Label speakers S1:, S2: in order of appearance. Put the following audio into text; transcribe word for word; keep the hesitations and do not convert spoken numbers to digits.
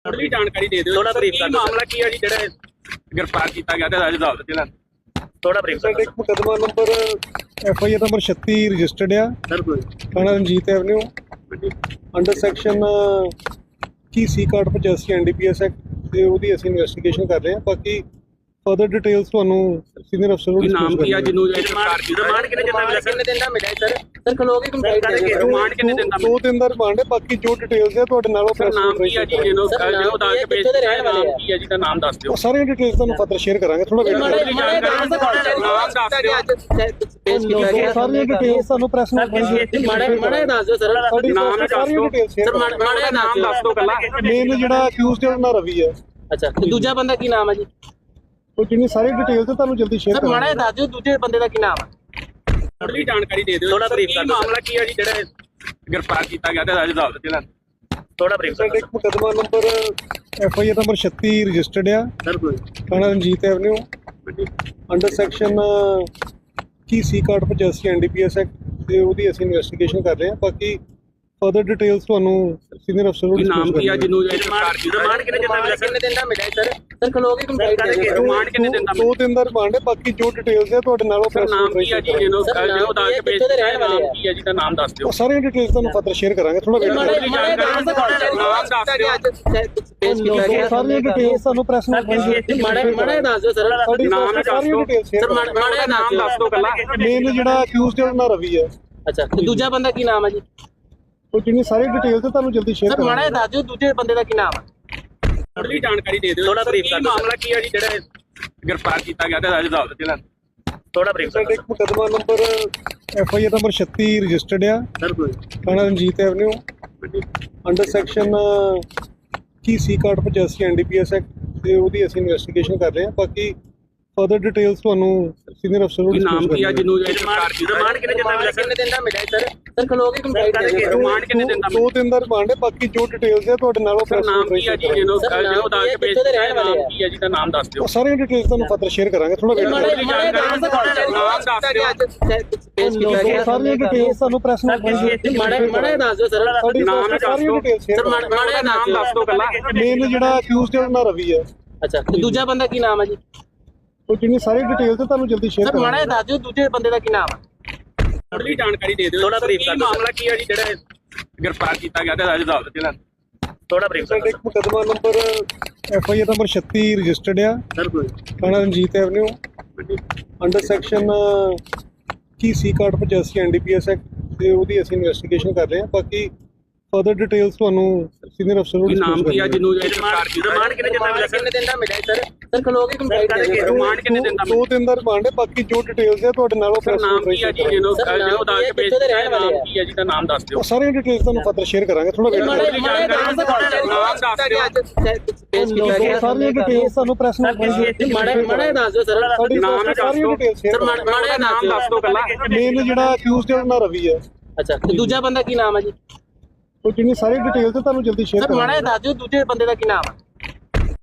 S1: थोड़ी जानकारी दे दो, थोड़ा ब्रीफ कर दो। मामला की है जी जेड़ा गिरफ्तार किया गया ते अदालत जिला थोड़ा ब्रीफ कर
S2: एक मुकदमा number F I R number छत्ती रजिस्टर्ड है
S1: सर। कोई
S2: थाना रंजीत एवेन्यू अंडर सैक्शन की सी कार्ड पचासी N D P S act ਤੇ ਉਹਦੀ ਅਸੀਂ ਇਨਵੈਸਟੀਗੇਸ਼ਨ ਕਰ ਰਹੇ ਹਾਂ। ਬਾਕੀ ਫਰਦਰ ਡਿਟੇਲਸ ਤੁਹਾਨੂੰ ਸੀਨੀਅਰ ਅਫਸਰ ਨੂੰ
S1: ਨਾਮ ਕੀ ਆ ਜਿਹਨੂੰ गिरफ्तार ਕੀਤਾ ਰਿਮਾਂਡ ਕਿੰਨੇ ਦਿਨ ਦਾ ਕਿੰਨੇ ਦਿਨ ਦਾ ਮਿਲਿਆ ਸਰ? ਸਰ ਖਲੋਗੇ ਕੰਪਲੀਟ ਕਰਕੇ ਰਿਮਾਂਡ ਕਿੰਨੇ ਦਿਨ ਦਾ
S2: ਦੋ ਦਿਨ ਦਾ ਰਿਮਾਂਡ ਹੈ। ਬਾਕੀ ਜੋ ਡਿਟੇਲਸ ਹੈ ਤੁਹਾਡੇ ਨਾਲ ਉਹ
S1: ਸਰ ਨਾਮ ਕੀ ਆ ਜੀ ਜਿਹਨੂੰ ਜਿਹਨੂੰ ਦਾ ਕੇ ਪੇਸ਼ ਕੀਤਾ ਨਾਮ ਕੀ ਆ ਜੀ ਦਾ ਨਾਮ ਦੱਸ ਦਿਓ।
S2: ਸਾਰੀਆਂ ਡਿਟੇਲਸ ਤੁਹਾਨੂੰ ਫਰਦਰ ਸ਼ੇਅਰ ਕਰਾਂਗੇ। ਥੋੜਾ ਵੇਟ ਕਰੋ।
S1: ਨਾਮ ਦੱਸ ਦਿਓ।
S2: ਪੇਸ਼ ਕੀਤਾ ਗਿਆ ਸਾਰੀਆਂ ਡਿਟੇਲਸ ਤੁਹਾਨੂੰ ਪ੍ਰੈਸ ਨੂੰ
S1: ਮਾੜੇ ਮਾੜੇ ਦੱਸ ਦਿਓ ਸਰ। ਨਾਮ ਦੱਸ ਦਿਓ ਸਰ। ਮਾੜੇ ਨਾਮ ਦੱਸ ਦਿਓ ਕੱਲਾ।
S2: ਮੇਨ ਜਿਹੜਾ ਅਕਿਊਜ਼ਡ ਹੈ ਉਹਨਾਂ ਰਵੀ ਹੈ।
S1: ਅੱਛਾ ਤੇ ਦੂਜਾ ਬੰਦਾ ਕੀ ਨਾਮ ਹੈ ਜੀ?
S2: ਉਹ ਜਿੰਨੀ ਸਾਰੀ ਡਿਟੇਲ ਤੇ ਤੁਹਾਨੂੰ ਜਲਦੀ ਸ਼ੇਅਰ
S1: ਸਰ ਮਾੜਾ ਦੱਸ ਦਿਓ ਦੂਜੇ ਬੰਦੇ ਦਾ ਕੀ ਨਾਮ ਹੈ? ਥੋੜੀ ਜਾਣਕਾਰੀ ਦੇ ਦਿਓ। ਥੋੜਾ ਬਰੀਫ ਕਰ ਦਿਓ। ਮਾਮਲਾ ਕੀ ਹੈ ਜੀ ਜਿਹੜਾ गिरफ्तार किया गया ते अदालत जिला थोड़ा ब्रीफ कर दो।
S2: ਇੱਕ ਮੁਕਦਮਾ number F I R number छत्ती ਰਜਿਸਟਰਡ ਹੈ
S1: सर। कोई
S2: थाना रंजीत एवेन्यू अंडर सैक्शन की सी कार्ड पचासी N D P S act ਤੇ ਉਹਦੀ ਅਸੀਂ ਇਨਵੈਸਟੀਗੇਸ਼ਨ ਕਰ ਰਹੇ ਹਾਂ। ਬਾਕੀ ਫਰਦਰ ਡਿਟੇਲਸ ਤੁਹਾਨੂੰ ਸੀਨੀਅਰ ਅਫਸਰ ਨੂੰ
S1: ਨਾਮ ਕੀ ਆ ਜਿਹਨੂੰ गिरफ्तार ਕੀਤਾ ਰਿਮਾਂਡ ਕਿੰਨੇ ਦਿਨ ਦਾ ਕਿੰਨੇ ਦਿਨ ਦਾ ਮਿਲਿਆ ਸਰ? ਸਰ ਖਲੋਗੇ ਕੰਪਲੀਟ ਕਰਕੇ ਰਿਮਾਂਡ ਕਿੰਨੇ ਦਿਨ ਦਾ?
S2: ਦੋ ਦਿਨ ਦਾ ਰਿਮਾਂਡ ਹੈ। ਬਾਕੀ ਜੋ ਡਿਟੇਲਸ ਹੈ ਤੁਹਾਡੇ ਨਾਲ ਉਹ
S1: ਸਰ ਨਾਮ ਕੀ ਆ ਜੀ ਜਿਹਨੂੰ ਜਿਹਨੂੰ ਦਾ ਕੇ ਪੇਸ਼ ਕੀਤਾ ਨਾਮ ਕੀ ਆ ਜੀ ਦਾ ਨਾਮ ਦੱਸ ਦਿਓ।
S2: ਸਾਰੀਆਂ ਡਿਟੇਲਸ ਤੁਹਾਨੂੰ ਫਰਦਰ ਸ਼ੇਅਰ ਕਰਾਂਗੇ। ਥੋੜਾ ਵੇਟ ਕਰੋ।
S1: ਨਾਮ ਦੱਸ ਦਿਓ। ਪੇਸ਼ ਕੀਤਾ ਗਿਆ
S2: ਸਾਰੀਆਂ ਡਿਟੇਲਸ ਤੁਹਾਨੂੰ ਪ੍ਰੈਸ ਨੂੰ
S1: ਮਾੜੇ ਮਾੜੇ ਦੱਸ ਦਿਓ ਸਰ। ਨਾਮ ਦੱਸ ਦਿਓ ਸਰ। ਮਾੜੇ ਨਾਮ ਦੱਸ ਦਿਓ ਕੱਲਾ।
S2: ਮੇਨ ਜਿਹੜਾ ਅਕਿਊਜ਼ਡ ਹੈ ਉਹਨਾਂ ਰਵੀ ਹੈ।
S1: ਅੱਛਾ ਤੇ ਦੂਜਾ ਬੰਦਾ ਕੀ ਨਾਮ ਹੈ ਜੀ?
S2: ਉਹ ਜਿੰਨੀ ਸਾਰੀ ਡਿਟੇਲ ਤੇ ਤੁਹਾਨੂੰ ਜਲਦੀ ਸ਼ੇਅਰ
S1: ਸਰ ਮਾੜਾ ਦੱਸ ਦਿਓ ਦੂਜੇ ਬੰਦੇ ਦਾ ਕੀ ਨਾਮ ਹੈ? ਥੋੜੀ ਜਾਣਕਾਰੀ ਦੇ ਦਿਓ। ਥੋੜਾ ਬਰੀਫ ਕਰ ਦਿਓ। ਮਾਮਲਾ ਕੀ ਹੈ ਜੀ ਜਿਹੜਾ गिरफ्तार किया गया ते अदालत जिला थोड़ा ब्रीफ कर दो।
S2: ਇੱਕ ਮੁਕਦਮਾ number F I R number छत्ती ਰਜਿਸਟਰਡ ਹੈ
S1: सर। कोई
S2: थाना रंजीत एवेन्यू अंडर सैक्शन की सी कार्ड पचासी N D P S act ਤੇ ਉਹਦੀ ਅਸੀਂ ਇਨਵੈਸਟੀਗੇਸ਼ਨ ਕਰ ਰਹੇ ਹਾਂ। ਬਾਕੀ ਫਰਦਰ ਡਿਟੇਲਸ ਤੁਹਾਨੂੰ ਸੀਨੀਅਰ ਅਫਸਰ ਨੂੰ
S1: ਨਾਮ ਕੀ ਆ ਜਿਹਨੂੰ गिरफ्तार ਕੀਤਾ ਰਿਮਾਂਡ ਕਿੰਨੇ ਦਿਨ ਦਾ ਕਿੰਨੇ ਦਿਨ ਦਾ ਮਿਲਿਆ ਸਰ? ਸਰ ਖਲੋਗੇ ਕੰਪਲੀਟ ਕਰਕੇ ਰਿਮਾਂਡ ਕਿੰਨੇ ਦਿਨ ਦਾ?
S2: ਦੋ ਦਿਨ ਦਾ ਰਿਮਾਂਡ ਹੈ। ਬਾਕੀ ਜੋ ਡਿਟੇਲਸ ਹੈ ਤੁਹਾਡੇ ਨਾਲ ਉਹ
S1: ਸਰ ਨਾਮ ਕੀ ਆ ਜੀ ਜਿਹਨੂੰ ਜਿਹਨੂੰ ਦਾ ਕੇ ਪੇਸ਼ ਕੀਤਾ ਨਾਮ ਕੀ ਆ ਜੀ ਦਾ ਨਾਮ ਦੱਸ ਦਿਓ।
S2: ਸਾਰੀਆਂ ਡਿਟੇਲਸ ਤੁਹਾਨੂੰ ਫਰਦਰ ਸ਼ੇਅਰ ਕਰਾਂਗੇ। ਥੋੜਾ ਵੇਟ ਕਰੋ।
S1: ਨਾਮ ਦੱਸ ਦਿਓ। ਪੇਸ਼ ਕੀਤਾ ਗਿਆ
S2: ਸਾਰੀਆਂ ਡਿਟੇਲਸ ਤੁਹਾਨੂੰ ਪ੍ਰੈਸ ਨੂੰ
S1: ਮਾੜੇ ਮਾੜੇ ਦੱਸ ਦਿਓ ਸਰ। ਨਾਮ ਦੱਸ ਦਿਓ ਸਰ। ਮਾੜੇ ਨਾਮ ਦੱਸ ਦਿਓ ਕੱਲਾ।
S2: ਮੇਨ ਜਿਹੜਾ ਅਕਿਊਜ਼ਡ ਹੈ ਉਹਨਾਂ ਰਵੀ ਹੈ।
S1: ਅੱਛਾ ਤੇ ਦੂਜਾ ਬੰਦਾ ਕੀ ਨਾਮ ਹੈ ਜੀ?
S2: ਉਹ ਜਿੰਨੀ ਸਾਰੀ ਡਿਟੇਲ ਤੇ ਤੁਹਾਨੂੰ ਜਲਦੀ ਸ਼ੇਅਰ
S1: ਸਰ ਮਾੜਾ ਦੱਸ ਦਿਓ ਦੂਜੇ ਬੰਦੇ ਦਾ ਕੀ ਨਾਮ ਹੈ? ਥੋੜੀ ਜਾਣਕਾਰੀ ਦੇ ਦਿਓ। ਥੋੜਾ ਬਰੀਫ ਕਰ ਦਿਓ। ਮਾਮਲਾ ਕੀ ਹੈ ਜੀ ਜਿਹੜਾ गिरफ्तार किया गया ते अदालत जिला थोड़ा ब्रीफ कर
S2: ਇੱਕ ਮੁਕਦਮਾ number F I R number छत्ती ਰਜਿਸਟਰਡ ਹੈ
S1: सर। कोई
S2: थाना रंजीत एवेन्यू अंडर सैक्शन की सी कार्ड पचासी N D P S act ਤੇ ਉਹਦੀ ਅਸੀਂ ਇਨਵੈਸਟੀਗੇਸ਼ਨ ਕਰ ਰਹੇ ਹਾਂ। ਬਾਕੀ ਫਰਦਰ ਡਿਟੇਲਸ ਤੁਹਾਨੂੰ ਸੀਨੀਅਰ ਅਫਸਰ ਨੂੰ
S1: ਨਾਮ ਕੀ ਆ ਜਿਹਨੂੰ गिरफ्तार ਕੀਤਾ ਰਿਮਾਂਡ ਕਿੰਨੇ ਦਿਨ ਦਾ ਕਿੰਨੇ ਦਿਨ ਦਾ ਮਿਲਿਆ ਸਰ? ਸਰ ਖਲੋਗੇ ਕੰਪਲੀਟ ਕਰਕੇ ਰਿਮਾਂਡ ਕਿੰਨੇ ਦਿਨ ਦਾ?
S2: ਦੋ ਦਿਨ ਦਾ ਰਿਮਾਂਡ ਹੈ। ਬਾਕੀ ਜੋ ਡਿਟੇਲਸ ਹੈ ਤੁਹਾਡੇ ਨਾਲ ਉਹ
S1: ਸਰ ਨਾਮ ਕੀ ਆ ਜੀ ਜਿਹਨੂੰ ਜਿਹਨੂੰ ਦਾ ਕੇ ਪੇਸ਼ ਕੀਤਾ ਨਾਮ ਕੀ ਆ ਜੀ ਦਾ ਨਾਮ ਦੱਸ ਦਿਓ।
S2: ਸਾਰੀਆਂ ਡਿਟੇਲਸ ਤੁਹਾਨੂੰ ਫਰਦਰ ਸ਼ੇਅਰ ਕਰਾਂਗੇ। ਥੋੜਾ ਵੇਟ ਕਰੋ।
S1: ਨਾਮ ਦੱਸ ਦਿਓ। ਪੇਸ਼ ਕੀਤਾ ਗਿਆ
S2: ਸਾਰੀਆਂ ਡਿਟੇਲਸ ਤੁਹਾਨੂੰ ਪ੍ਰੈਸ ਨੂੰ
S1: ਮਾੜੇ ਮਾੜੇ ਦੱਸ ਦਿਓ ਸਰ। ਨਾਮ ਦੱਸ ਦਿਓ ਸਰ। ਮਾੜੇ ਨਾਮ ਦੱਸ ਦਿਓ ਕੱਲਾ।
S2: ਮੇਨ ਜਿਹੜਾ ਅਕਿਊਜ਼ਡ ਹੈ ਉਹਨਾਂ ਰਵੀ ਹੈ।
S1: ਅੱਛਾ ਤੇ ਦੂਜਾ ਬੰਦਾ ਕੀ ਨਾਮ ਹੈ ਜੀ?
S2: ਉਹ ਜਿੰਨੀ ਸਾਰੀ ਡਿਟੇਲ ਤੇ ਤੁਹਾਨੂੰ ਜਲਦੀ ਸ਼ੇਅਰ
S1: ਸਰ ਮਾੜਾ ਦੱਸ ਦਿਓ ਦੂਜੇ ਬੰਦੇ ਦਾ ਕੀ ਨਾਮ ਹੈ?